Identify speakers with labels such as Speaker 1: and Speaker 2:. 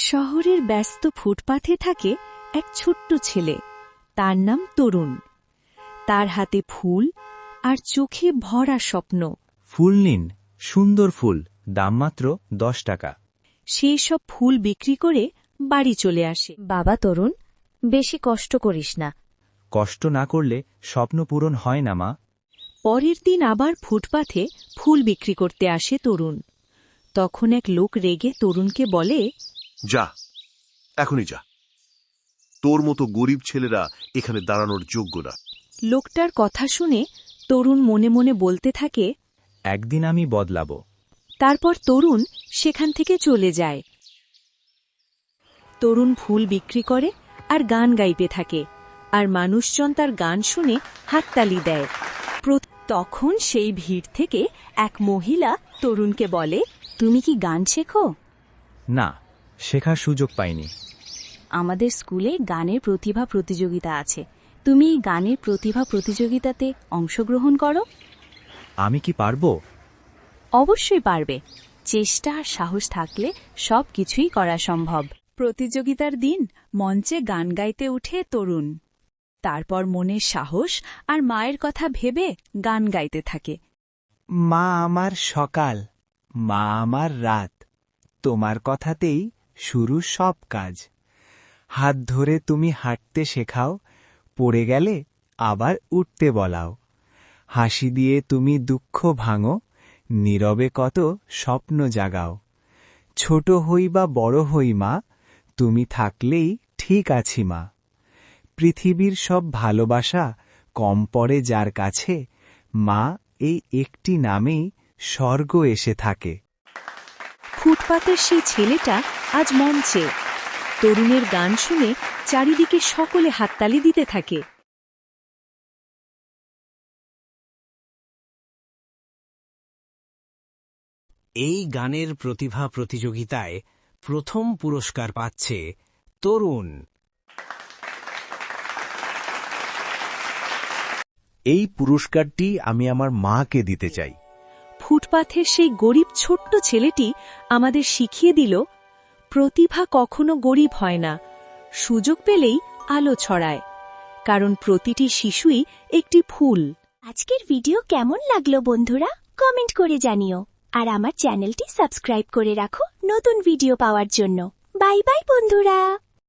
Speaker 1: শহরের ব্যস্ত ফুটপাথে থাকে এক ছোট্ট ছেলে, তার নাম তরুণ। তার হাতে ফুল আর চোখে ভরা স্বপ্ন।
Speaker 2: ফুল নিন, সুন্দর ফুল, দাম মাত্র 10 টাকা।
Speaker 1: সে সব ফুল বিক্রি করে বাড়ি চলে আসে।
Speaker 3: বাবা তরুণ, বেশি কষ্ট করিস না।
Speaker 2: কষ্ট না করলে স্বপ্ন পূরণ হয় না, মা।
Speaker 1: পরের দিন আবার ফুটপাথে ফুল বিক্রি করতে আসে তরুণ। তখন এক লোক রেগে তরুণকে বলে,
Speaker 4: যা, এখনই যা। তোর মতো গরিব ছেলেরা এখানে দাঁড়ানোর যোগ্য না।
Speaker 1: লোকটার কথা শুনে তরুণ মনে মনে বলতে থাকে,
Speaker 2: একদিন আমি বদলাবো।
Speaker 1: তারপর তরুণ সেখান থেকে চলে যায়। তরুণ ফুল বিক্রি করে আর গান গাইতে থাকে, আর মানুষজন তার গান শুনে হাততালি দেয়। তখন সেই ভিড় থেকে এক মহিলা তরুণকে বলে, তুমি কি গান শেখো?
Speaker 2: না, শেখার সুযোগ পাইনি।
Speaker 3: আমাদের স্কুলে গানের প্রতিভা প্রতিযোগিতা আছে, তুমি এই গানের প্রতিভা প্রতিযোগিতাতে অংশগ্রহণ করো।
Speaker 2: আমি কি পারবো?
Speaker 3: অবশ্যই পারবে। চেষ্টা আর সাহস থাকলে সব কিছুই করা সম্ভব।
Speaker 1: প্রতিযোগিতার দিন মঞ্চে গান গাইতে উঠে তরুণ। তারপর মনের সাহস আর মায়ের কথা ভেবে গান গাইতে থাকে।
Speaker 5: মা আমার সকাল, মা আমার রাত, তোমার কথাতেই শুরু সব কাজ। হাত ধরে তুমি হাঁটতে শেখাও, পড়ে গেলে আবার উঠতে বলাও। হাসি দিয়ে তুমি দুঃখ ভাঙো, নীরবে কত স্বপ্ন জাগাও। ছোট হই বা বড় হই মা, তুমি থাকলেই ঠিক আছি মা। পৃথিবীর সব ভালোবাসা কম পড়ে যার কাছে, মা এই একটি নামেই স্বর্গ এসে থাকে।
Speaker 1: ফুটপাতের সেই ছেলেটা আজ মঞ্চে। তরুণের গান শুনে চারিদিকে সকলে হাততালি দিতে থাকে।
Speaker 6: এই গানের প্রতিভা প্রতিযোগিতায় প্রথম পুরস্কার পাচ্ছে তরুণ।
Speaker 7: এই পুরস্কারটি আমি আমার মাকে দিতে চাই।
Speaker 1: ফুটপাথের সেই গরিব ছোট্ট ছেলেটি আমাদের শিখিয়ে দিল, প্রতিভা কখনো গরিব হয় না, সুযোগ পেলেই আলো ছড়ায়, কারণ প্রতিটি শিশুই একটি ফুল।
Speaker 8: আজকের ভিডিও কেমন লাগলো বন্ধুরা, কমেন্ট করে জানিও। আর আমার চ্যানেলটি সাবস্ক্রাইব করে রাখো নতুন ভিডিও পাওয়ার জন্য। বাই বাই বন্ধুরা।